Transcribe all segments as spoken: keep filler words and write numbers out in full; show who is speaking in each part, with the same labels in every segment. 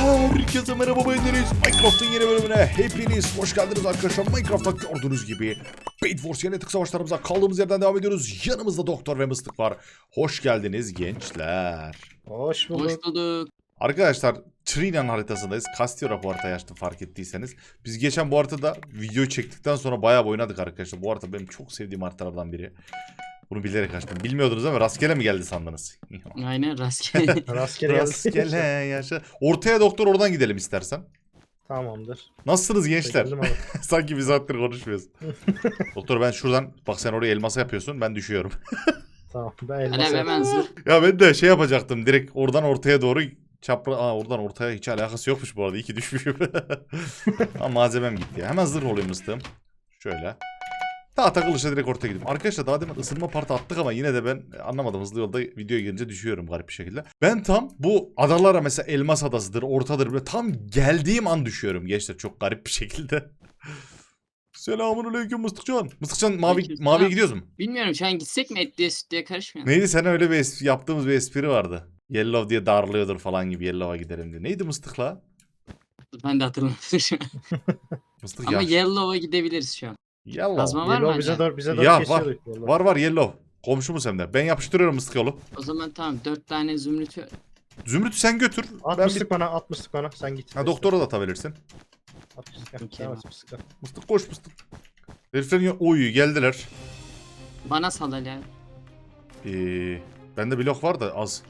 Speaker 1: Herkese merhaba, ben Deniz. Minecraft'ın yeni bölümüne hepiniz hoş geldiniz arkadaşlar. Minecraft'ta gördüğünüz gibi Bed Wars yeni tık savaşlarımıza kaldığımız yerden devam ediyoruz. Yanımızda Doktor ve Mıstık var. Hoş geldiniz gençler.
Speaker 2: Hoş bulduk.
Speaker 3: Hoş bulduk.
Speaker 1: Arkadaşlar Trinan haritasındayız. Castillo bu haritayı açtım, fark ettiyseniz. Biz geçen bu haritada videoyu çektikten sonra bayağı oynadık arkadaşlar. Bu harita benim çok sevdiğim haritalardan biri. Bunu bilerek açtım. Bilmiyordunuz ama rastgele mi geldi sandınız?
Speaker 3: Aynen rastgele.
Speaker 2: Rastgele
Speaker 1: Rastgele
Speaker 2: yazdı.
Speaker 1: yaşa. Ortaya Doktor, oradan gidelim istersen.
Speaker 2: Tamamdır.
Speaker 1: Nasılsınız gençler?
Speaker 2: Çekildim abi.
Speaker 1: Sanki bir saattir konuşmuyoruz. Doktor, ben şuradan, bak sen oraya elmasa yapıyorsun, ben düşüyorum.
Speaker 2: Tamam. Ben
Speaker 3: Alev
Speaker 2: elmas
Speaker 3: hemen zırh.
Speaker 1: Ya ben de şey yapacaktım, direkt oradan ortaya doğru çapra... Aa, oradan ortaya hiç alakası yokmuş bu arada, iyi ki düşmüşüm. Ama malzemem gitti ya. Hemen zırh olayım mıstığım. Şöyle. Daha takılışa direkt ortaya gideyim. Arkadaşlar daha demin ısınma partı attık ama yine de ben anlamadım. Hızlı yolda videoya girince düşüyorum garip bir şekilde. Ben tam bu adalara, mesela Elmas Adası'dır, Ortadır, böyle tam geldiğim an düşüyorum gençler, çok garip bir şekilde. Selamünaleyküm Mıstıkcan. Mıstıkcan, mavi
Speaker 3: Aleyküm
Speaker 1: maviye
Speaker 3: selam.
Speaker 1: gidiyoruz mu?
Speaker 3: Bilmiyorum, şu an gitsek mi etliye sütlüye karışmıyor.
Speaker 1: Neydi, sen öyle bir espri, yaptığımız bir espri vardı. Yellow diye darlıyordur falan gibi, Yellow'a gidelim diye. Neydi Mıstıkla?
Speaker 3: Ben de hatırlamadım şu an.
Speaker 1: Mıstık
Speaker 3: Ama
Speaker 1: ya.
Speaker 3: Yellow'a gidebiliriz şu an.
Speaker 1: Yellow.
Speaker 3: Kazma var mı
Speaker 2: Yellow bize
Speaker 3: hala?
Speaker 2: doğru, bize doğru
Speaker 1: Ya var.
Speaker 2: kesiyorduk. Vallahi.
Speaker 1: Var var Yellow. Komşumuz hem de. Ben yapıştırıyorum Mıstık yolu.
Speaker 3: O zaman tamam, dört tane zümrüt.
Speaker 1: Zümrüt'ü sen götür. Ben bir...
Speaker 2: Atmıştık bana, atmıştık bana. Sen git.
Speaker 1: Ha, doktora da atabilirsin.
Speaker 2: Atmıştık.
Speaker 3: Okey,
Speaker 2: Tamam,
Speaker 3: bak.
Speaker 2: atmıştık.
Speaker 1: Mıstık koş Mıstık. Heriflerin ya... Oy, geldiler.
Speaker 3: Bana sal hala.
Speaker 1: Ee, bende blok var da az.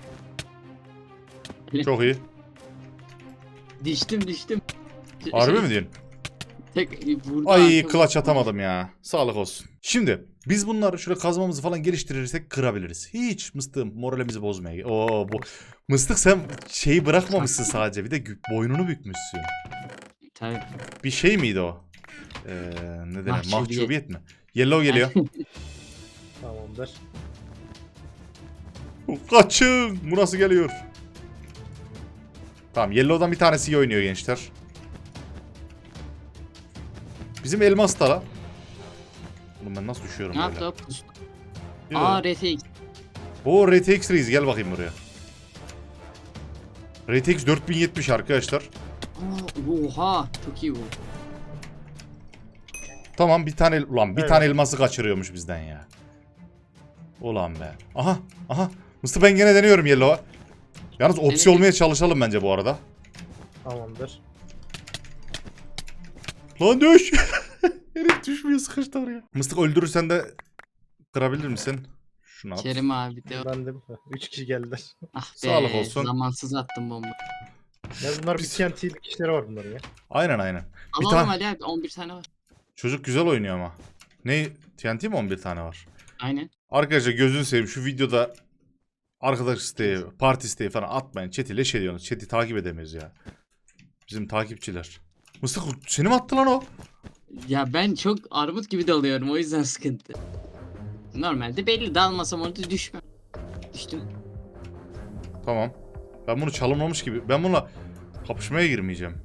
Speaker 3: Öyle.
Speaker 1: Çok iyi.
Speaker 3: Düştüm düştüm.
Speaker 1: Harbi mi diyorsun?
Speaker 3: Tek vurdu.
Speaker 1: Ay,
Speaker 3: arkama.
Speaker 1: kılaç atamadım ya. Sağlık olsun. Şimdi biz bunları şöyle kazmamızı falan geliştirirsek kırabiliriz. Hiç Mıstığım, moralimizi bozmaya. Oo, bu Mıstık, sen şeyi bırakmamışsın sadece, bir de gü- boynunu bükmüşsün.
Speaker 3: Tabii.
Speaker 1: Bir şey miydi o? Ee, ne denir?
Speaker 3: Mahcubiyet.
Speaker 1: Mahcubiyet mi? Yellow geliyor.
Speaker 2: Tamamdır.
Speaker 1: Kaçın! Bu nasıl geliyor? Tamam, Yellow'dan bir tanesi iyi oynuyor gençler. Bizim elmas da la. Oğlum ben nasıl düşüyorum
Speaker 3: Ne
Speaker 1: böyle?
Speaker 3: yaptı o pus?
Speaker 1: Yürü.
Speaker 3: Aa R T X.
Speaker 1: O R T X Reis, gel bakayım buraya. R T X dört bin yetmiş arkadaşlar.
Speaker 3: Aa, oha çok iyi bu.
Speaker 1: Tamam, bir tane ulan bir
Speaker 2: Evet.
Speaker 1: tane elması kaçırıyormuş bizden ya. Ulan be. Aha aha. Mısır, ben gene deniyorum Yellow'a. Yalnız opsi
Speaker 3: Evet.
Speaker 1: olmaya çalışalım bence bu arada.
Speaker 2: Tamamdır.
Speaker 1: Lan düş. Herif düşmüyor, sıkıştı oraya. Mıstık, öldürürsen de kırabilir misin? Şunu at.
Speaker 3: Kerim abi de.
Speaker 2: Ben de üç kişi geldiler.
Speaker 3: Ah be,
Speaker 1: Sağlık olsun.
Speaker 3: zamansız attım bomba.
Speaker 2: Ya bunlar bir
Speaker 1: Biz-
Speaker 2: T N T'lik işleri var bunların ya.
Speaker 1: Aynen aynen. Bir
Speaker 3: Alalım
Speaker 1: tane
Speaker 3: Ali abi, on bir tane var.
Speaker 1: çocuk güzel oynuyor ama. Ne? T N T mi on bir tane var?
Speaker 3: Aynen.
Speaker 1: Arkadaşlar gözünü seveyim, şu videoda arkadaş isteği, parti isteği falan atmayın. Chat'i leş ediyorsunuz. Chat'i takip edemiyoruz ya. Bizim takipçiler. Mıstık, seni mi attı lan o?
Speaker 3: Ya ben çok armut gibi dalıyorum, o yüzden sıkıntı. Normalde belli, dalmasam orada düşmem. Düştüm.
Speaker 1: Tamam. Ben bunu çalınmamış gibi. Ben bununla kapışmaya girmeyeceğim.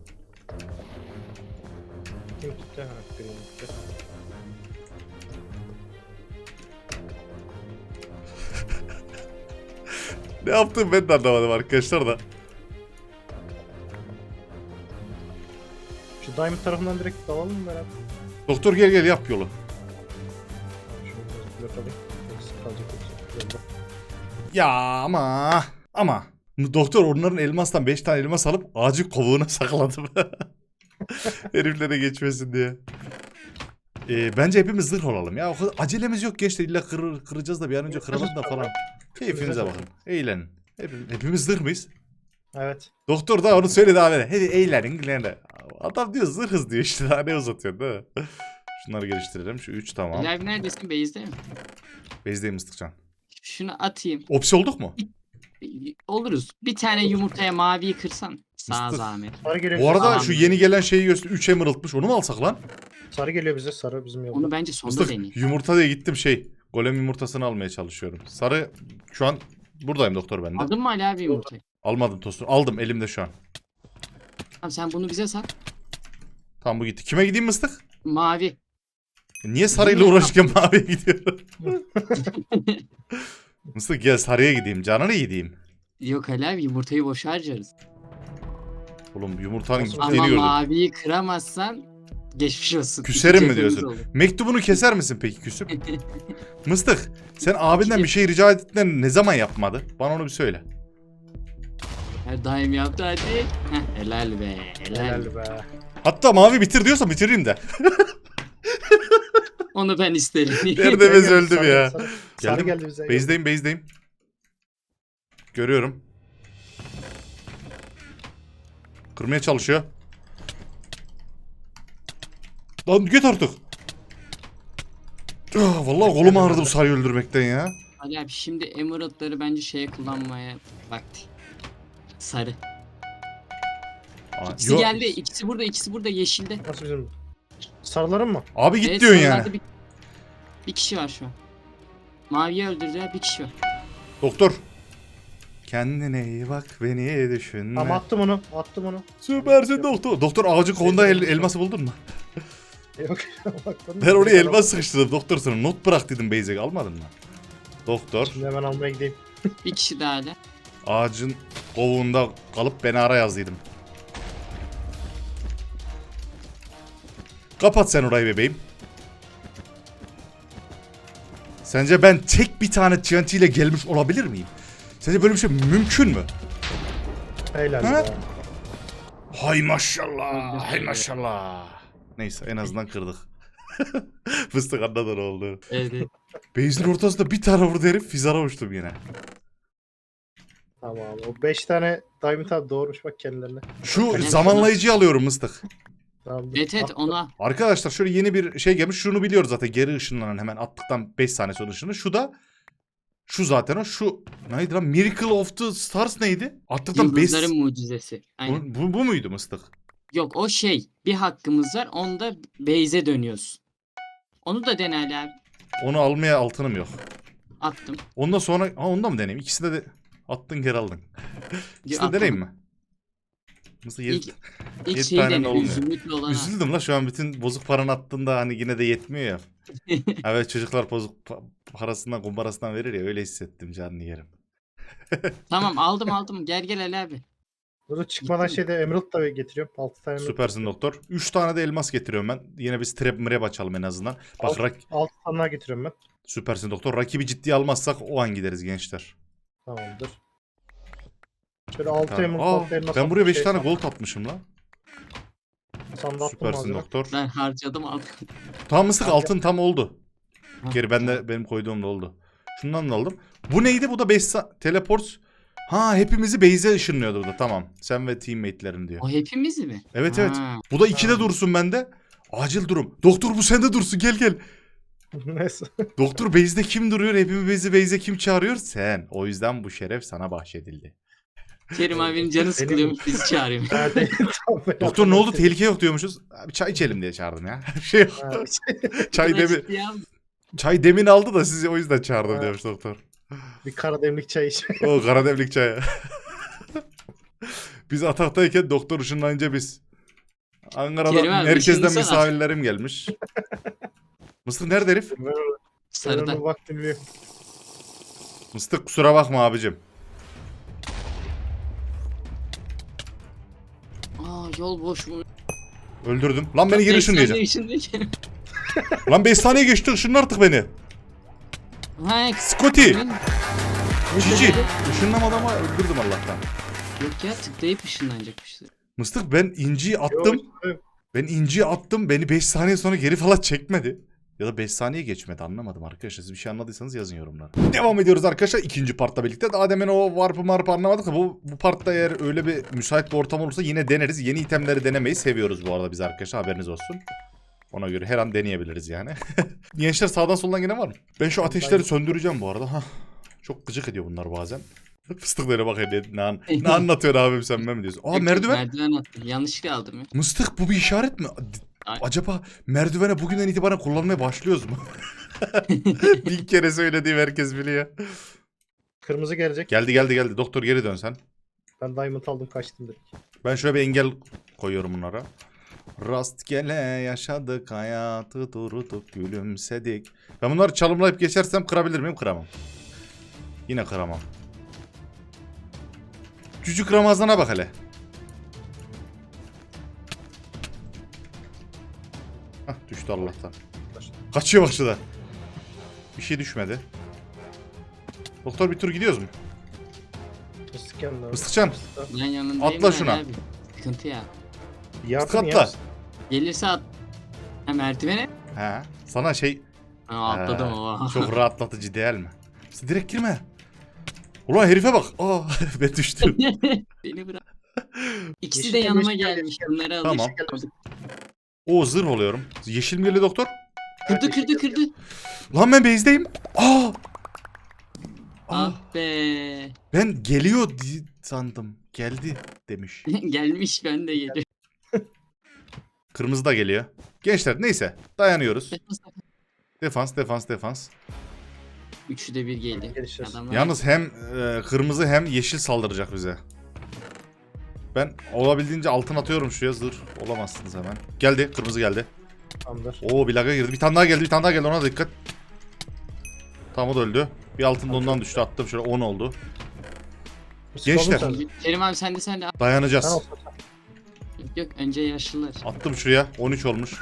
Speaker 2: Kim gitti? Ha, Green gitti.
Speaker 1: Ne yaptım ben de anlamadım arkadaşlar da.
Speaker 2: Şu Diamond tarafından direkt dalalım mı beraber?
Speaker 1: Doktor gel gel, yap yolu.
Speaker 2: Şunu biraz blok alayım. Eksik kalacak yoksa. Yolda.
Speaker 1: Ya ama ama doktor onların elmastan beş tane elmas alıp ağacı kovuğuna sakladım. Heriflere geçmesin diye. Ee, bence hepimiz zırh olalım ya. O kadar acelemiz yok gençler, illa kır, kıracağız da bir an önce kıralım da falan. Keyfinize bakın. Eğlenin. Hepimiz, hepimiz zırh mıyız?
Speaker 2: Evet.
Speaker 1: Doktor da onu söyledi abi. Hadi eğlenin, eğlenin. Adam diyor zırhız diyor işte, daha ne uzatıyorsun değil mi? Şunları geliştirelim. Şu üç tamam.
Speaker 3: Ali abi neredesin, base'de mi?
Speaker 1: Bezdeyim Mıstıkcan.
Speaker 3: Şunu atayım.
Speaker 1: Opsi olduk mu?
Speaker 3: Oluruz. Bir tane yumurtaya maviyi kırsan. Sağ
Speaker 1: Mıstık.
Speaker 3: zahmet.
Speaker 2: Sarı geliyor.
Speaker 1: Bu
Speaker 2: bize.
Speaker 1: arada
Speaker 3: Tamam.
Speaker 1: şu yeni gelen şeyi göster. üç emerald'mış. Onu mu alsak lan?
Speaker 2: Sarı geliyor bize. Sarı bizim yolda.
Speaker 3: Onu bence sonda
Speaker 1: Mıstık,
Speaker 3: deneyim.
Speaker 1: yumurta diye gittim şey. Golem yumurtasını almaya çalışıyorum. Sarı şu an buradayım doktor, bende.
Speaker 3: Aldın mı Ali abi yumurtayı?
Speaker 1: Almadım tostu. Aldım elimde şu an.
Speaker 3: Tamam, sen bunu bize sat.
Speaker 1: Tamam, bu gitti. Kime gideyim Mıstık?
Speaker 3: Mavi.
Speaker 1: Niye sarıyla uğraşırken maviye gidiyorum? Mıstık gel sarıya gideyim. Canına gideyim.
Speaker 3: Yok Ali abi, yumurtayı boşa harcarız.
Speaker 1: Oğlum yumurtanın
Speaker 2: Nasıl-
Speaker 1: gittiğini
Speaker 3: Ama
Speaker 1: gördüm.
Speaker 3: maviyi kıramazsan geçmiş olsun.
Speaker 1: Küserim mi
Speaker 3: İki cebimiz
Speaker 1: diyorsun?
Speaker 3: olur.
Speaker 1: Mektubunu keser misin peki küsüp? Mıstık sen abinden bir şey rica ettiklerini ne zaman yapmadı? Bana onu bir söyle.
Speaker 3: Her daim yaptı hadi. Heh, helal be helal.
Speaker 2: Helal be.
Speaker 1: Hatta mavi bitir diyorsa bitireyim de.
Speaker 3: Onu ben isterim.
Speaker 1: Nerede bez
Speaker 2: Gel,
Speaker 1: öldüm
Speaker 2: sarı-
Speaker 1: ya.
Speaker 2: Sarı, sarı
Speaker 1: Geldim.
Speaker 2: geldi bize.
Speaker 1: Base'deyim base'deyim. Görüyorum. Kırmaya çalışıyor. Lan git artık. Ah, vallahi kolum ağrıdı bu sarıyı öldürmekten ya.
Speaker 3: Ali abi şimdi emeraldları bence şeye kullanmaya vakti. Sarı.
Speaker 1: Aa,
Speaker 3: İkisi
Speaker 1: yo-
Speaker 3: geldi. İkisi burada, ikisi burada yeşilde.
Speaker 2: Nasıl bizim? Sarıların mı?
Speaker 1: Abi git
Speaker 3: Evet,
Speaker 1: diyorsun
Speaker 3: sarılarda
Speaker 1: yani.
Speaker 3: Bir, bir kişi var şu an. Maviye öldürdüler bir kişi var.
Speaker 1: Doktor. Kendine iyi bak beni düşünme.
Speaker 2: Ama attım onu. Attım onu.
Speaker 1: Süpersin doktor. Doktor ağacın kolunda el, elması buldun mu?
Speaker 2: Yok. baktım.
Speaker 1: Ben oraya elmas sıkıştırdım. Doktor sana not bırak dedim Beyzek almadın mı? Doktor
Speaker 2: Şimdi hemen almaya gideyim.
Speaker 3: Bir kişi daha hala.
Speaker 1: ağacın kovuğunda kalıp beni ara yazdıydım. Kapat sen orayı bebeğim. Sence ben tek bir tane T N T ile gelmiş olabilir miyim? Sence böyle bir şey mümkün mü?
Speaker 2: Helal
Speaker 1: Ha?
Speaker 2: be.
Speaker 1: Hay maşallah, hay maşallah. Neyse en azından kırdık. Fıstık anladın ne oldu.
Speaker 3: Evet, evet.
Speaker 1: Base'in ortasında bir tane vurdu herif fizara uçtum yine.
Speaker 2: Tamam. O beş tane Diamond abi doğurmuş bak kendilerine.
Speaker 1: Şu
Speaker 3: Önemli
Speaker 1: zamanlayıcıyı alıyorum mıstık.
Speaker 2: Tamam.
Speaker 3: Evet evet
Speaker 2: At-
Speaker 3: ona.
Speaker 1: Arkadaşlar şöyle yeni bir şey gelmiş. Şunu biliyoruz zaten. Geri ışınlanan hemen attıktan beş saniye sonra ışını. Şu da şu zaten o. Şu neydi lan? Miracle of the Stars neydi? Attıktan beş...
Speaker 3: Yıldızların mucizesi. Aynen.
Speaker 1: Bu, bu, bu muydu mıstık?
Speaker 3: Yok o şey. Bir hakkımız var. Onda base'e dönüyoruz. Onu da dene Ali abi.
Speaker 1: Onu almaya altınım yok.
Speaker 3: Attım.
Speaker 1: Ondan sonra... Ha onda mı deneyim? İkisinde de attın geri aldın. İkisini de
Speaker 3: Attım.
Speaker 1: deneyim mi? Mıstık yedi...
Speaker 3: İlk, ilk
Speaker 1: yedi
Speaker 3: şeyi
Speaker 1: tane
Speaker 3: dene.
Speaker 1: olmuyor.
Speaker 3: Zümrütlü olan.
Speaker 1: Üzüldüm la şu an bütün bozuk paranı attığında hani yine de yetmiyor ya. Evet çocuklar bozuk pa- parasından kumbarasından verir ya öyle hissettim canını yerim.
Speaker 3: Tamam aldım aldım. Gel gel Ali abi.
Speaker 2: Dur çıkmadan şeyde Emerald da getiriyorum. altı tane Emerald.
Speaker 1: Süpersin doktor. üç tane de elmas getiriyorum ben. Yine bir strap mrep açalım en azından. Bak rak
Speaker 2: altı tane daha getiriyorum ben.
Speaker 1: süpersin doktor. Rakibi ciddiye almazsak o an gideriz gençler.
Speaker 2: Tamamdır. Şöyle altı
Speaker 1: Tamam.
Speaker 2: Emerald,
Speaker 1: Aa,
Speaker 2: altı elmas.
Speaker 1: ben buraya
Speaker 2: altı
Speaker 1: beş
Speaker 2: şey-
Speaker 1: tane gold atmışım lan.
Speaker 2: Sandığa attım
Speaker 1: Süpersin
Speaker 2: malzeme.
Speaker 1: doktor.
Speaker 3: Ben harcadım aldım.
Speaker 1: Tamam mıstık
Speaker 2: Abi-
Speaker 1: altın tam oldu.
Speaker 3: Ha,
Speaker 1: Geri ben de benim koyduğum da oldu. Şundan da aldım. Bu neydi? Bu da beş teleport. Ha hepimizi base'e ışınlıyordu bu da tamam. Sen ve teammate'lerin diyor.
Speaker 3: O hepimiz mi?
Speaker 1: Evet evet.
Speaker 3: Ha.
Speaker 1: Bu da ikide
Speaker 2: Ha.
Speaker 1: dursun bende. Acil durum. Doktor bu sende dursun gel gel.
Speaker 2: Neyse.
Speaker 1: Doktor base'de kim duruyor? Hepimizi base'e kim çağırıyor? Sen. O yüzden bu şeref sana bahşedildi.
Speaker 3: Kerim abinin canı sıkılıyormuş bizi çağırıyor.
Speaker 2: Ha, değil. Tamam, ben
Speaker 1: Doktor ne oldu?
Speaker 2: hatırladım.
Speaker 1: Tehlike yok diyormuşuz. Abi çay içelim diye çağırdım ya. şey yok.
Speaker 2: Ha,
Speaker 1: çay
Speaker 3: Buna
Speaker 1: demi
Speaker 3: ciddiye aldım.
Speaker 1: çay demin aldı da sizi o yüzden çağırdım
Speaker 2: Ha.
Speaker 1: diyormuş doktor.
Speaker 2: bir kara demlik çay iç.
Speaker 1: O karademlik çayı. Biz ataktayken doktor ışınlanınca biz. Ankara'dan
Speaker 3: Kerim abi,
Speaker 1: merkezden
Speaker 3: ışınlasana.
Speaker 1: misafirlerim gelmiş. Mısır nerede herif?
Speaker 2: Ben onu- ben
Speaker 3: Sarıda.
Speaker 2: onu bak dinliyorum.
Speaker 1: Mıstık kusura bakma abicim.
Speaker 3: Aa yol boş mu?
Speaker 1: Öldürdüm. Lan beni geri ışınlayacak.
Speaker 3: ışınlayacak.
Speaker 1: Lan beş saniye geçti ışınla artık beni.
Speaker 3: Ha,
Speaker 1: Scotty.
Speaker 3: ben-
Speaker 1: Cici. Işınlamadı ama öldürdüm Allah'tan.
Speaker 3: Yok ya tıklayıp ışınlanacakmıştı.
Speaker 1: Mıstık ben inciyi attım.
Speaker 2: Yok,
Speaker 1: Ben inciyi attım. Beni beş saniye sonra geri falan çekmedi. Ya da beş saniye geçmedi anlamadım arkadaşlar. Siz bir şey anladıysanız yazın yorumlara. Devam ediyoruz arkadaşlar ikinci partla birlikte. Daha demin o warp'ı marp'ı anlamadık da bu, bu partta eğer öyle bir müsait bir ortam olursa yine deneriz. Yeni itemleri denemeyi seviyoruz bu arada biz arkadaşlar haberiniz olsun. Ona göre her an deneyebiliriz yani. Gençler sağdan soldan gene var mı? Ben şu ateşleri söndüreceğim bu arada. Hah. Çok gıcık ediyor bunlar bazen. Fıstıklara bak hele ne, an- ne anlatıyor abim sen ben mi diyorsun? Aa
Speaker 3: Yok, yok,
Speaker 1: merdiven.
Speaker 3: Merdiven attım. Yanlışlıkla aldım ya.
Speaker 1: Mıstık bu bir işaret mi?
Speaker 3: Ay.
Speaker 1: Acaba merdivene bugünden itibaren kullanmaya başlıyoruz mu? Bin kere söylediğim herkes biliyor.
Speaker 2: Kırmızı gelecek.
Speaker 1: Geldi geldi geldi. Doktor geri dön sen.
Speaker 2: Ben Diamond aldım kaçtım direkt.
Speaker 1: Ben şöyle bir engel koyuyorum bunlara. Rastgele yaşadık hayatı durduk gülümsedik. Ben bunları çalımlayıp geçersem kırabilir miyim? Kıramam. Yine kıramam. Cücük Ramazan'a bak hele. Hah, düştü Allah'tan. Kaçıyor bak şurada. Bir şey düşmedi. Doktor bir tur gidiyoruz mu?
Speaker 2: Mıstık yanına.
Speaker 1: Mıstıkcan.
Speaker 3: Ben yanındayım.
Speaker 1: Atla
Speaker 3: ben
Speaker 1: şuna.
Speaker 3: Abi. Sıkıntı ya.
Speaker 2: Yardım
Speaker 1: Atla.
Speaker 2: ya.
Speaker 3: Gelirse at. Ha merdivene.
Speaker 1: He. Sana şey
Speaker 3: Ha atladım
Speaker 1: He,
Speaker 3: o.
Speaker 1: çok rahatlatıcı değil mi? Sen direkt girme. Ulan herife bak. Aa ben düştüm.
Speaker 3: Beni bırak. İkisi
Speaker 2: Yeşil
Speaker 3: de
Speaker 2: gel,
Speaker 3: yanıma
Speaker 2: yeşil gel,
Speaker 3: gelmiş.
Speaker 2: yeşil gel.
Speaker 3: Bunları
Speaker 1: Tamam.
Speaker 3: alışık.
Speaker 1: O zırh oluyorum. Yeşil mi geliyor doktor?
Speaker 3: Kırdı kırdı kırdı.
Speaker 1: Lan ben base'deyim. Aa! Aa!
Speaker 3: Ah be.
Speaker 1: Ben geliyor di- sandım. Geldi demiş.
Speaker 3: Gelmiş ben de geliyorum.
Speaker 1: Kırmızı da geliyor. Gençler neyse dayanıyoruz. Defans defans defans.
Speaker 3: Üçü de bir geldi.
Speaker 2: Gelişeceğiz.
Speaker 3: Adamlar
Speaker 1: Yalnız hem e, kırmızı hem yeşil saldıracak bize. Ben olabildiğince altın atıyorum şuraya, zırh olamazsınız hemen. Geldi, kırmızı geldi.
Speaker 2: Tamamdır.
Speaker 1: Oo bir laga girdi. Bir tane daha geldi, bir tane daha geldi, ona dikkat. Tamam o da öldü. Bir altın da ondan düştü, attım şöyle on oldu.
Speaker 2: Mıstık
Speaker 1: Gençler.
Speaker 2: oldun sen.
Speaker 3: Kerim abi sen de sen de. Yok
Speaker 1: Dayanacağız.
Speaker 3: yok önce yaşlılar.
Speaker 1: Attım şuraya, on üç olmuş.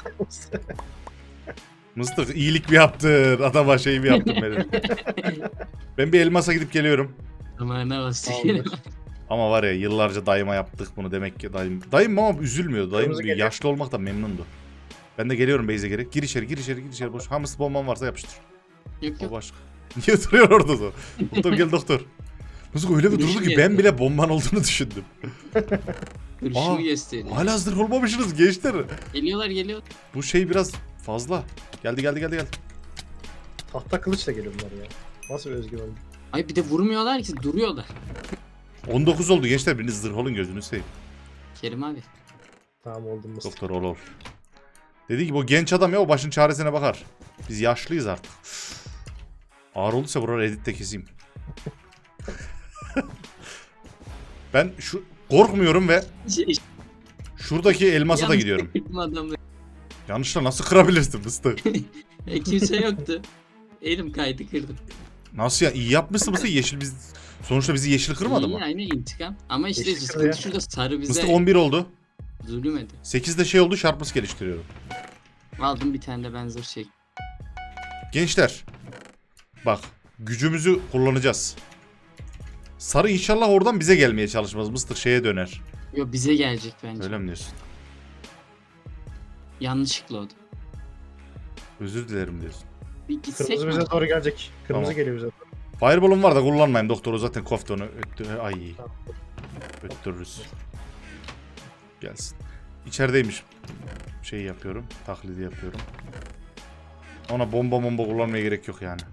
Speaker 1: Mıstık iyilik mi yaptın? Adama şey mi yaptın benim? Ben bir elmasa gidip geliyorum.
Speaker 3: Zamanına bastı.
Speaker 2: Tamamdır.
Speaker 1: Ama var ya yıllarca dayıma yaptık bunu, demek ki dayım. Dayım ama üzülmüyor. Dayım
Speaker 2: Kırmızı geliyor.
Speaker 1: yaşlı olmaktan memnundu. Ben de geliyorum base'e geri. Gir içeri, gir içeri, gir içeri. Boş. Hamısı bomban varsa yapıştır.
Speaker 3: Yok
Speaker 1: O
Speaker 3: yok.
Speaker 1: başka. Niye duruyor orada da? Doktor gel doktor. Nasıl öyle bir durdu ki
Speaker 3: Düşmüyor.
Speaker 1: ben bile bomban olduğunu düşündüm.
Speaker 3: Duruşunu
Speaker 1: Aa,
Speaker 3: gösteriyor.
Speaker 1: Hala hazır olmamışsınız gençler.
Speaker 3: Geliyorlar geliyor.
Speaker 1: Bu şey biraz fazla. Geldi geldi geldi geldi.
Speaker 2: Tahta kılıçla geliyor bunlar ya. Nasıl bir özgüven?
Speaker 3: Ay bir de vurmuyorlar ki duruyorlar.
Speaker 1: on dokuz oldu gençler, biriniz zırh olun gözünü seveyim.
Speaker 3: Kerim abi.
Speaker 2: Tamam oldum mıstık.
Speaker 1: Doktor ol ol. Dedi ki bu genç adam ya, o başın çaresine bakar. Biz yaşlıyız artık. Ağır olduysa buraları editte keseyim. Ben şu korkmuyorum ve
Speaker 3: Şey,
Speaker 1: şuradaki elmasa da
Speaker 3: yanlış
Speaker 1: gidiyorum.
Speaker 3: kırdım adamı.
Speaker 1: Yanlışla nasıl kırabilirsin mıstık?
Speaker 3: E, kimse yoktu. Elim kaydı kırdım.
Speaker 1: Nasıl ya? İyi yapmışsın mıstık? Yeşil biz... Sonuçta bizi yeşil kırmadı
Speaker 3: İyi,
Speaker 1: mı?
Speaker 3: aynı intikam. Ama işte
Speaker 2: Yeşil kırıyor.
Speaker 3: sıkıntı şurada sarı bize
Speaker 1: Mıstık on bir oldu.
Speaker 3: zulüm edi.
Speaker 1: sekizde şey oldu, Sharpness geliştiriyorum.
Speaker 3: Aldım bir tane de benzer şey.
Speaker 1: Gençler. Bak. Gücümüzü kullanacağız. Sarı inşallah oradan bize gelmeye çalışmaz. Mıstık şeye döner.
Speaker 3: Yo bize gelecek bence.
Speaker 1: Öyle mi diyorsun?
Speaker 3: Yanlışlıkla o da.
Speaker 1: Özür dilerim diyorsun.
Speaker 3: Bir gitsek
Speaker 2: Kırmızı
Speaker 3: mi?
Speaker 2: bize doğru gelecek. Kırmızı
Speaker 1: Tamam.
Speaker 2: geliyor bize doğru.
Speaker 1: Fireball'um var da kullanmayayım. Doktoru zaten kofta onu öttü. Ay.
Speaker 2: Tamam.
Speaker 1: Öttürürüz. Gelsin. İçerideymiş. Şey yapıyorum. Taklidi yapıyorum. Ona bomba bomba kullanmaya gerek yok yani.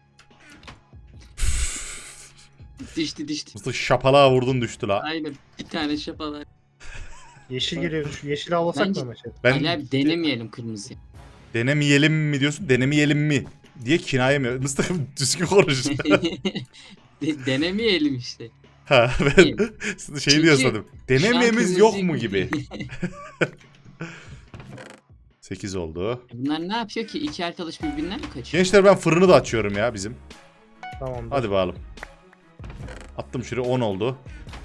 Speaker 3: Düştü düştü.
Speaker 1: Mıstık şapalığa vurdun düştü la.
Speaker 3: Aynen bir tane şapalar.
Speaker 2: Yeşil geliyor. Şu yeşili avlasak
Speaker 3: Bence-
Speaker 2: mı ama şey?
Speaker 1: Ben
Speaker 3: Ali abi denemeyelim kırmızıyı.
Speaker 1: denemeyelim mi diyorsun? Denemeyelim mi? Diye kinaye mi? Mıstık düzgün konuş.
Speaker 3: De- denemeyelim işte.
Speaker 1: Ha ben şey
Speaker 3: Çünkü
Speaker 1: diyor sandım.
Speaker 3: Şu an
Speaker 1: Denememiz yok
Speaker 3: kırmızı-
Speaker 1: mu gibi. sekiz oldu.
Speaker 3: Bunlar ne yapıyor ki? İki arkadaş birbirinden mi kaçıyor?
Speaker 1: Gençler ben fırını da açıyorum ya bizim.
Speaker 2: Tamamdır.
Speaker 1: Hadi bakalım. Attım şuraya, on oldu.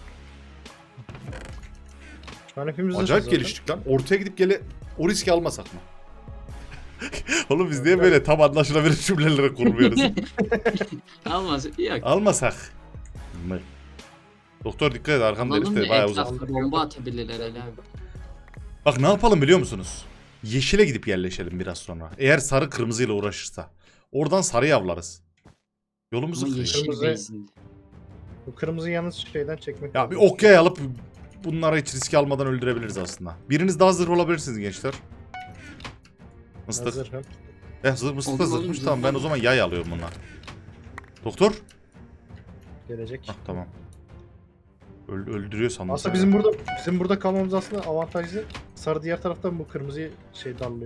Speaker 2: Şu an hepimiz
Speaker 1: Acayip
Speaker 2: zırhız zaten.
Speaker 1: geliştik lan. Ortaya gidip gele o riski almasak mı? Oğlum biz niye böyle tam anlaşılabilir cümlelere kurmuyoruz?
Speaker 3: Almaz. Yok.
Speaker 1: Almasak mı? Doktor dikkat et, arkamda herif
Speaker 3: Alalım
Speaker 1: de
Speaker 3: da
Speaker 1: bayağı uzak.
Speaker 3: etrafta bomba atabilirler Ali abi.
Speaker 1: Bak ne yapalım biliyor musunuz? Yeşile gidip yerleşelim biraz sonra. Eğer sarı kırmızıyla uğraşırsa. Oradan sarı avlarız. Yolumuzu
Speaker 3: Ama
Speaker 1: kırıyor.
Speaker 3: yeşil
Speaker 2: Kırmızı-
Speaker 3: bezinde.
Speaker 2: Bu kırmızı yalnız şeyden çekmek
Speaker 1: Ya bir
Speaker 2: lazım.
Speaker 1: okyay alıp bunlara hiç riske almadan öldürebiliriz aslında. Biriniz daha zırh olabilirsiniz gençler. Mıstık.
Speaker 2: Hazır, ha.
Speaker 1: Eh zırh mıstık da
Speaker 3: Oğlum,
Speaker 1: zırhmış,
Speaker 3: oğlum,
Speaker 1: tamam ben
Speaker 3: zırh
Speaker 1: o zaman yay alıyorum bundan. Doktor.
Speaker 2: Gelecek.
Speaker 1: Hah tamam. Öl öldürüyor sandım.
Speaker 2: Aslında
Speaker 1: seni.
Speaker 2: bizim burada bizim burada kalmamız aslında avantajlı. Sarı diğer taraftan bu kırmızıyı şey darlıyor.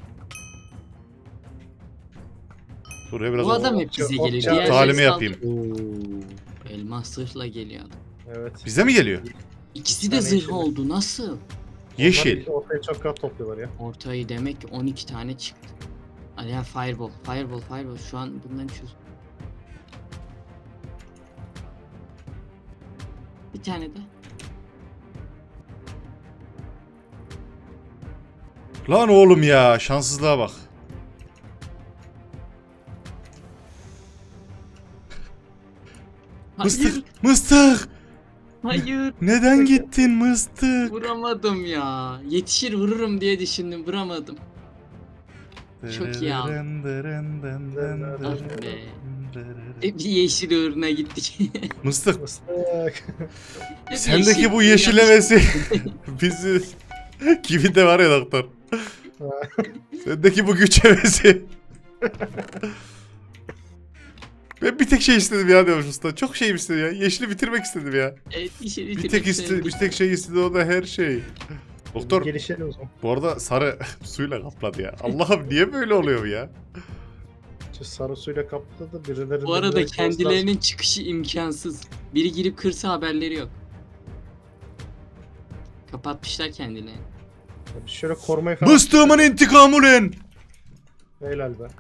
Speaker 1: Buraya biraz
Speaker 3: Bu
Speaker 1: o-
Speaker 3: adam hep bize
Speaker 2: o-
Speaker 3: geliyor.
Speaker 2: o-
Speaker 3: Diğerleri
Speaker 1: talimi
Speaker 3: saldı-
Speaker 1: yapayım.
Speaker 3: Oo, elmas zırhla geliyor adam.
Speaker 2: Evet.
Speaker 1: Bize mi geliyor?
Speaker 3: İkisi de
Speaker 2: Yani
Speaker 3: zırh
Speaker 2: yeşil.
Speaker 3: oldu. Nasıl?
Speaker 1: Yeşil.
Speaker 2: Onlar ortaya çok rahat topluyorlar ya.
Speaker 3: Ortayı demek ki on iki tane çıktı. Ali abi fireball. Fireball fireball. Şu an bundan çöz. Bir tane de.
Speaker 1: Lan oğlum ya, şanssızlığa bak.
Speaker 3: Hayır.
Speaker 1: Mıstık, mıstık.
Speaker 3: Hayır.
Speaker 1: Neden gittin mıstık?
Speaker 3: Vuramadım ya. Yetişir vururum diye düşündüm. Vuramadım. Çok iyi abi. Ah be. Hep bir yeşil uğruna gittik.
Speaker 1: Mıstık,
Speaker 2: Mıstık.
Speaker 3: Hep
Speaker 1: sendeki
Speaker 3: yeşil
Speaker 1: bu
Speaker 3: uğruna
Speaker 1: yeşilemesi bizi gibi de var ya doktor. Sendeki bu güç hevesi. Ben bir tek şey istedim ya diyormuş usta. Çok şey istedim ya. Yeşili bitirmek istedim ya.
Speaker 3: Evet, yeşil
Speaker 1: Bir tek iste, bir tek şey istedi, o da her şey. Doktor,
Speaker 2: Gelişelim o zaman.
Speaker 1: bu arada sarı suyla kapladı ya. Allah'ım niye böyle oluyor ya?
Speaker 2: Şu sarı suyla kapladı birileri.
Speaker 3: Bu arada kendilerinin çıkışı imkansız. Biri girip kırsa haberleri yok. Kapatmışlar kendilerini.
Speaker 2: Şöyle korumayı falan.
Speaker 1: Mıstığımın intikamı ulen!
Speaker 2: Helal be.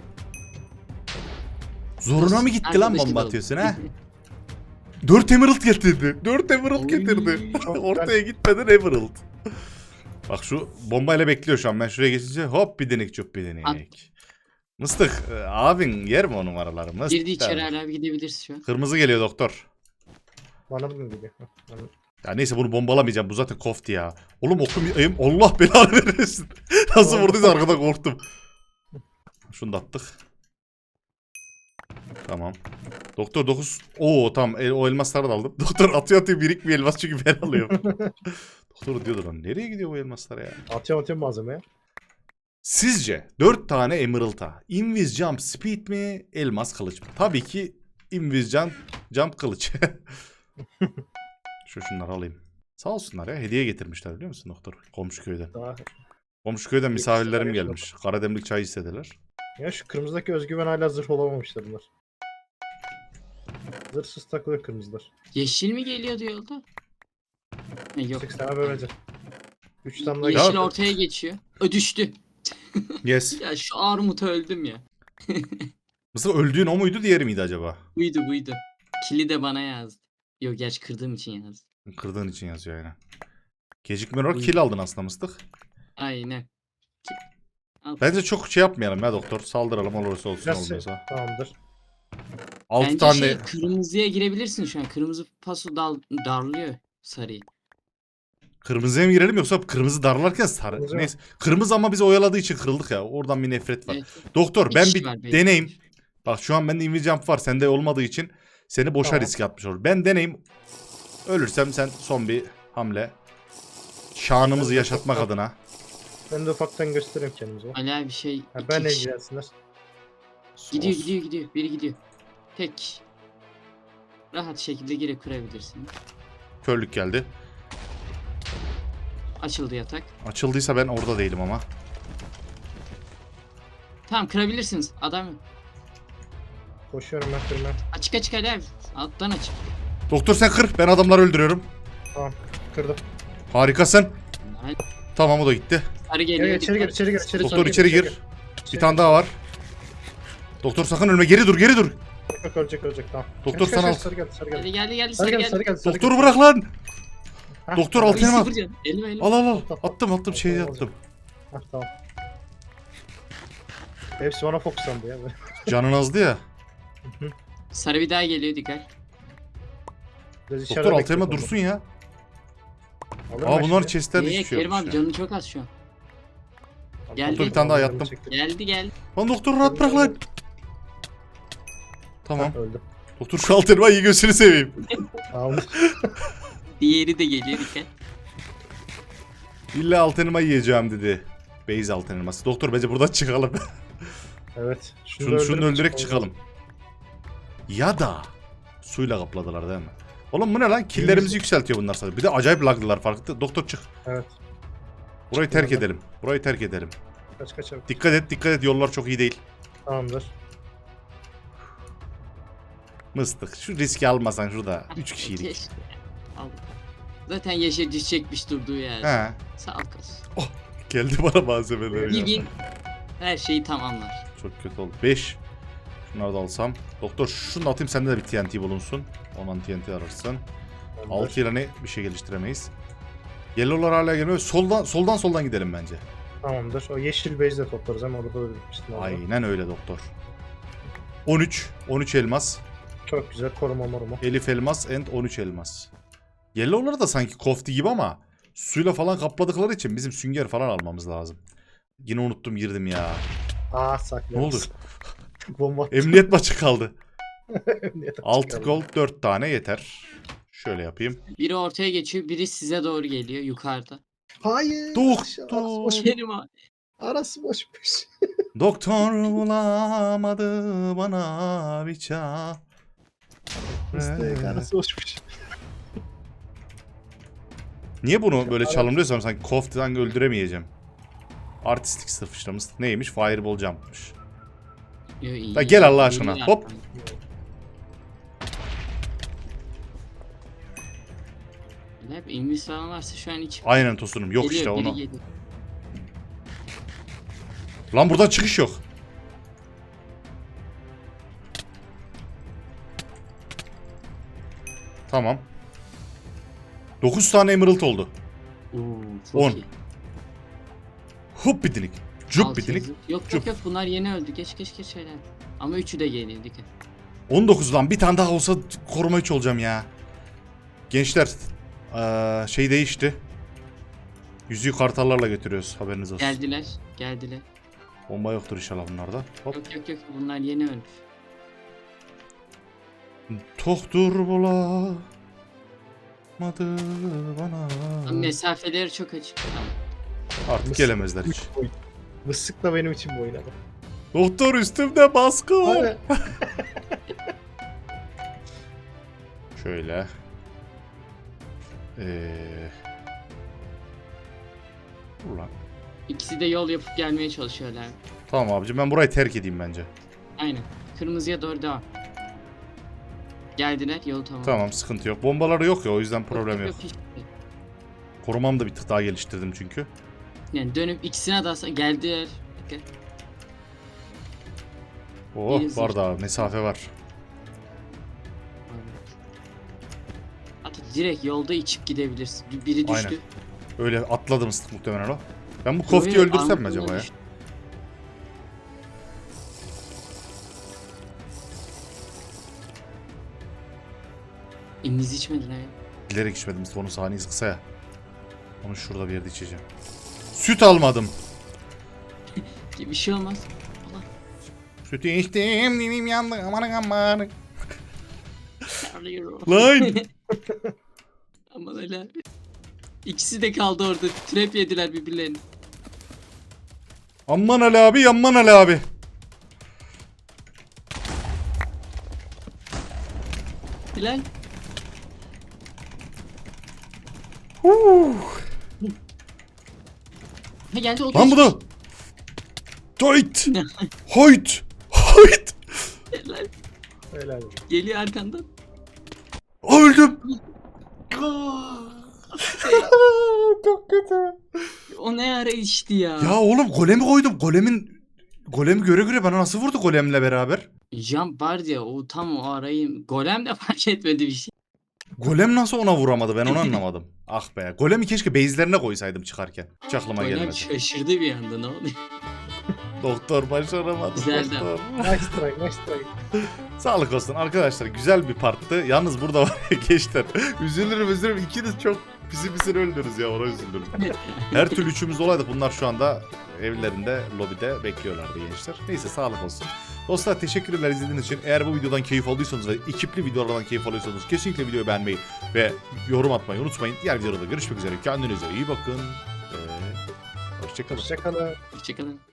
Speaker 1: Zoruna mı gitti lan
Speaker 3: Arkadaşlık
Speaker 1: bomba
Speaker 3: oldu.
Speaker 1: atıyorsun ha? Dört emerald getirdi. Dört emerald
Speaker 3: Oy.
Speaker 1: getirdi.
Speaker 2: Çok
Speaker 1: Ortaya gitmeden emerald. Bak şu bombayla bekliyor şu an. Ben şuraya geçince hop bir denek çok bir denek.
Speaker 3: At.
Speaker 1: Mıstık e, abin yer mi o numaraları? Mıstık.
Speaker 3: Girdi içeri hala abi gidebiliriz şu an.
Speaker 1: Kırmızı geliyor doktor.
Speaker 2: Bana mı geliyor? Bana...
Speaker 1: Ya neyse bunu bombalamayacağım. Bu zaten kofti ya. Oğlum okum ayım. Allah belanı vermesin. Nasıl vurduysa arkada korktum. Şunu da attık. Tamam. Doktor dokuz. Oo tamam. El, o elmasları da aldım. Doktor atıyor atıyor birikmiyor elmas çünkü ben alıyorum. Doktor diyordu lan nereye gidiyor bu elmaslar ya?
Speaker 2: Atıyorum atıyorum malzemeye.
Speaker 1: Sizce dört tane emerald'a invis jump speed mi elmas kılıç mı? Tabii ki invis jump, jump kılıç. Şu şunları alayım. Sağ olsunlar ya hediye getirmişler biliyor musun doktor? Komşu köyden.
Speaker 2: Daha...
Speaker 1: Komşu köyden misafirlerim
Speaker 2: Ekstra
Speaker 1: gelmiş. Karademlik çay istediler.
Speaker 2: Ya şu kırmızıdaki özgüven hala zırh olamamışlar bunlar. Zırhsız takılıyor kırmızılar.
Speaker 3: Yeşil mi geliyordu yolda? Ha, yok.
Speaker 2: Sekiz tane böylece. Üç tane daha
Speaker 3: Yeşil
Speaker 1: Ya-
Speaker 3: ortaya geçiyor. Ö düştü.
Speaker 1: Yes.
Speaker 3: Ya şu armuta öldüm ya.
Speaker 1: Mısır öldüğün o muydu diğeri miydi acaba?
Speaker 3: Buydu buydu. Kili de bana yazdı. Yok gerçi kırdığım için yazdı.
Speaker 1: Kırdığın için yazıyor aynen. Gecikme olarak
Speaker 3: Buyur.
Speaker 1: kill aldın aslında mıstık.
Speaker 3: Aynen. Ki- Al.
Speaker 1: Bence çok şey yapmayalım ya doktor. Saldıralım olursa olsun
Speaker 2: Biraz
Speaker 1: olmuyorsa.
Speaker 2: tamamdır.
Speaker 1: altı
Speaker 3: Bence
Speaker 1: tane.
Speaker 3: şey kırmızıya girebilirsin şu an. Kırmızı paso dal darlıyor sarıyı.
Speaker 1: Kırmızıya mı girelim yoksa kırmızı darlarken sarı.
Speaker 2: Kırmızı mı?
Speaker 1: Neyse. Kırmızı ama bizi oyaladığı için kırıldık ya. Oradan bir nefret var.
Speaker 3: Evet.
Speaker 1: Doktor
Speaker 3: Bir
Speaker 1: ben
Speaker 3: kişi
Speaker 1: bir
Speaker 3: var belki.
Speaker 1: deneyim. Bak şu an bende invis jump var. Sende olmadığı için seni boşa
Speaker 2: Tamam.
Speaker 1: riske atmış olur. Ben deneyim. Ölürsem sen son bir hamle. Şanımızı
Speaker 2: Ben de
Speaker 1: yaşatmak
Speaker 2: çok-
Speaker 1: adına.
Speaker 2: Ben de ufaktan göstereyim kendimizi.
Speaker 3: Ali abi şey
Speaker 2: Ha,
Speaker 3: iki
Speaker 2: benle
Speaker 3: kişi.
Speaker 2: ilgilensinler.
Speaker 3: Gidiyor
Speaker 1: Sos.
Speaker 3: gidiyor gidiyor. Biri gidiyor. Tek. Rahat şekilde girip kırabilirsin.
Speaker 1: Körlük geldi.
Speaker 3: Açıldı yatak.
Speaker 1: Açıldıysa ben orada değilim ama.
Speaker 3: Tamam kırabilirsiniz. Adam
Speaker 2: Koşuyorum ben kırmaya.
Speaker 3: açık açık Ali abi. Alttan açık.
Speaker 1: Doktor sen kır. Ben adamları öldürüyorum.
Speaker 2: Tamam kırdım.
Speaker 1: Harikasın.
Speaker 3: Ay,
Speaker 1: Tamam o da gitti.
Speaker 3: sarı
Speaker 2: Gel
Speaker 3: geliyor.
Speaker 2: gel içeri gir
Speaker 3: dikkat.
Speaker 2: içeri gir içeri
Speaker 1: Doktor
Speaker 2: gir,
Speaker 1: içeri gir. Bir tane daha var. Doktor sakın ölme. Geri dur geri dur.
Speaker 2: Yok ölecek ölecek tamam.
Speaker 1: Doktor
Speaker 2: Kaç,
Speaker 1: sana
Speaker 2: kaç,
Speaker 1: al.
Speaker 2: kaç, sarı geldi sarı geldi.
Speaker 3: Geldi geldi geldi
Speaker 2: Sarı
Speaker 3: sarı
Speaker 2: geldi sarı
Speaker 3: geldi.
Speaker 2: geldi. sarı
Speaker 1: Doktoru
Speaker 2: geldi.
Speaker 1: bırak lan.
Speaker 2: Hah,
Speaker 1: Doktor
Speaker 2: tamam.
Speaker 1: al.
Speaker 3: Ay,
Speaker 1: Altına
Speaker 3: sıfır can. Elime elime.
Speaker 1: Al al al. Attım attım şeyi
Speaker 2: Tamam,
Speaker 1: attım.
Speaker 2: Hah, tamam. Hepsi bana fokuslandı ya.
Speaker 1: Canın azdı ya.
Speaker 3: Sarı bir daha geliyor dikkat.
Speaker 2: Biraz içeride
Speaker 1: Doktor
Speaker 2: bekliyorum
Speaker 1: altıma
Speaker 2: onu.
Speaker 1: dursun ya.
Speaker 2: Alırım
Speaker 1: Aa
Speaker 2: ben
Speaker 1: bunların
Speaker 2: şimdi.
Speaker 1: chest'lerde
Speaker 3: Niye
Speaker 1: hiçbir şey
Speaker 3: Kerim
Speaker 1: yokmuş
Speaker 3: abi
Speaker 1: ya.
Speaker 3: canı çok az şu an. Geldi.
Speaker 1: Doktor bir tane daha yattım.
Speaker 2: Çektim.
Speaker 3: Geldi geldi.
Speaker 1: Lan doktoru rahat bırak lan. Tamam.
Speaker 2: Hah, öldüm.
Speaker 1: Doktor şu alt elmayı gözünü seveyim.
Speaker 2: Tamam.
Speaker 3: Diğeri de geliyor dikkat.
Speaker 1: İlla alt elma yiyeceğim dedi. Beyz alt elması. Doktor bence buradan çıkalım.
Speaker 2: Evet. Şunu,
Speaker 1: Şunu,
Speaker 2: da
Speaker 1: şunu
Speaker 2: öldürüp
Speaker 1: öldürerek çıkalım. Ya da suyla kapladılar değil mi? Oğlum bu ne lan? Killerimizi yükseltiyor bunlar sadece. Bir de acayip laglılar farklı. Doktor çık.
Speaker 2: Evet.
Speaker 1: Burayı terk
Speaker 2: Çıkmadı.
Speaker 1: edelim. Burayı terk edelim.
Speaker 2: Kaç kaç abi.
Speaker 1: Dikkat et dikkat et yollar çok iyi değil.
Speaker 2: Tamamdır.
Speaker 1: Mıstık. Şu riski almasan şurada. Üç kişiydik.
Speaker 3: Keşke. Al. Zaten Yaşar düşecekmiş durduğu yerde.
Speaker 1: He.
Speaker 3: Sağ ol kız.
Speaker 1: Geldi bana malzemeler
Speaker 3: Bir
Speaker 1: ya.
Speaker 3: bin her şeyi tamamlar.
Speaker 1: Çok kötü oldu. beş. Şunları da alsam. Doktor şunu da atayım sende de bir T N T bulunsun. Ondan T N T ararsın.
Speaker 2: Tamamdır.
Speaker 1: altı ile ne bir şey geliştiremeyiz. Yellow'lar hala gelmiyor. Soldan soldan soldan gidelim bence.
Speaker 2: Tamamdır. O yeşil bezi de toplarız ama orada da bitmiştim. orada.
Speaker 1: Aynen öyle doktor. on üç. on üç elmas.
Speaker 2: Çok güzel koruma moruma.
Speaker 1: Elif elmas and on üç elmas. Yellow'ları da sanki kofti gibi ama suyla falan kapladıkları için bizim sünger falan almamız lazım. Yine unuttum girdim ya.
Speaker 2: Aa saklı.
Speaker 1: Ne oldu?
Speaker 2: Bomba attı.
Speaker 1: Emniyet maçı kaldı.
Speaker 2: Emniyet
Speaker 1: altı
Speaker 2: çıkardı.
Speaker 1: gold dört tane yeter. Şöyle yapayım.
Speaker 3: Biri ortaya geçiyor, biri size doğru geliyor yukarıda.
Speaker 2: Hayır.
Speaker 1: Doktor.
Speaker 2: aşağı- Arası boş.
Speaker 3: Benim abi.
Speaker 2: Arası boşmuş.
Speaker 1: Doktor bulamadı bana bir çare.
Speaker 2: Mıstık arası boşmuş.
Speaker 1: Niye bunu böyle çalımlıyorsam sanki koftadan öldüremeyeceğim. Artistik sırf işte mıstık neymiş? Fireball jump'mış.
Speaker 3: Yo, iyi.
Speaker 1: Da gel Allah aşkına,
Speaker 3: İyi
Speaker 1: hop.
Speaker 3: yaptın. Ne yapayım? İnvis falan varsa şu an hiç.
Speaker 1: Aynen tosunum. Yok
Speaker 3: Geliyor,
Speaker 1: işte
Speaker 3: biri
Speaker 1: onu.
Speaker 3: geliyor.
Speaker 1: Lan buradan çıkış yok. Tamam. dokuz tane emerald oldu.
Speaker 3: Oo, çok
Speaker 1: On.
Speaker 3: iyi.
Speaker 1: Hup bitinik. Cup
Speaker 3: Altı
Speaker 1: bitinik.
Speaker 3: yazı- Yok
Speaker 1: Cup.
Speaker 3: yok yok bunlar yeni öldü. Geç geç geç şeyler. Ama üçü de geliyor dikkat.
Speaker 1: on dokuz lan bir tane daha olsa koruma üç olacağım ya. Gençler eee, şey değişti. Yüzüğü kartallarla götürüyoruz haberiniz olsun.
Speaker 3: Geldiler. Geldiler.
Speaker 1: Bomba yoktur inşallah bunlarda. Hop.
Speaker 3: Yok yok yok bunlar yeni ölmüş.
Speaker 1: Toktur bulamadı bana.
Speaker 3: Ama mesafeleri çok açık. Tamam.
Speaker 1: Artık
Speaker 2: Mısık
Speaker 1: gelemezler hiç.
Speaker 2: üç boyut. Mısık da benim için bu oynadı.
Speaker 1: Doktor üstümde baskı var.
Speaker 2: Hadi.
Speaker 1: Şöyle. Eee. Dur lan.
Speaker 3: İkisi de yol yapıp gelmeye çalışıyorlar.
Speaker 1: Tamam abicim ben burayı terk edeyim bence.
Speaker 3: Aynen. Kırmızıya doğru devam. Geldiler yolu tamam.
Speaker 1: Tamam sıkıntı yok. Bombaları yok ya o yüzden problem yok.
Speaker 3: hiç-
Speaker 1: Korumamı da bir tık daha geliştirdim çünkü.
Speaker 3: Yani dönüp ikisine de alsa geldiler. Dikkat.
Speaker 1: Oh
Speaker 3: İyi,
Speaker 1: var daha mesafe var.
Speaker 3: Hatta direkt yolda içip gidebilirsin. Bir- Biri düştü.
Speaker 1: Aynen. Öyle atladım ıslık muhtemelen o. Ben bu
Speaker 3: Yo,
Speaker 1: koftiyi
Speaker 3: yo,
Speaker 1: öldürsem mi
Speaker 3: armutuna
Speaker 1: acaba ya?
Speaker 3: düştü. İmiz içmediler ya.
Speaker 1: Bilerek içmedim işte onun saniyesi kısa ya. Onu şurada bir yerde içeceğim. Süt almadım.
Speaker 3: Bir şey olmaz. Allah.
Speaker 1: Sütü içtim dilim yandı aman aman.
Speaker 3: Terliyorum.
Speaker 1: Lan!
Speaker 3: Aman öyle abi. İkisi de kaldı orada. Trap yediler birbirlerini.
Speaker 1: Aman Ali abi aman Ali abi.
Speaker 3: Bilal. Ha geldi o
Speaker 1: Lan bu
Speaker 3: geçmiş.
Speaker 1: da. Hoyt. Hoyt. Hoyt.
Speaker 3: Bilal.
Speaker 2: Helal olsun.
Speaker 3: Geliyor arkandan.
Speaker 1: Öldüm. Çok kötü.
Speaker 3: O ne ara içti ya.
Speaker 1: Ya oğlum golemi koydum. Golemin golemi göre göre bana nasıl vurdu golemle beraber?
Speaker 3: Jump var ya o tam o arayı golem de fark etmedi bir şey.
Speaker 1: Golem nasıl ona vuramadı ben onu anlamadım. Ah be. Golemi keşke base'lerine koysaydım çıkarken. Hiç aklıma
Speaker 3: Golem
Speaker 1: gelmedi.
Speaker 3: şaşırdı bir anda ne oluyor?
Speaker 1: Doktor başaramadı.
Speaker 3: Güzeldi.
Speaker 1: Doktor.
Speaker 2: Nice try, nice try.
Speaker 1: Sağlık olsun arkadaşlar. Güzel bir parttı. Yalnız burada var ya gençler. Üzülürüm üzülürüm. İkiniz çok pisi pisini öldünüz ya. Ona üzüldüm. Her türlü üçümüz olaydık. Bunlar şu anda evlerinde, lobide bekliyorlardı gençler. Neyse sağlık olsun. Dostlar teşekkürler izlediğiniz için. Eğer bu videodan keyif aldıysanız ve ekipli videolardan keyif alıyorsanız kesinlikle videoyu beğenmeyi ve yorum atmayı unutmayın. Diğer videoda görüşmek üzere. Kendinize iyi bakın. Ee, hoşçakalın.
Speaker 2: Hoşçakalın.
Speaker 3: Hoşçakalın.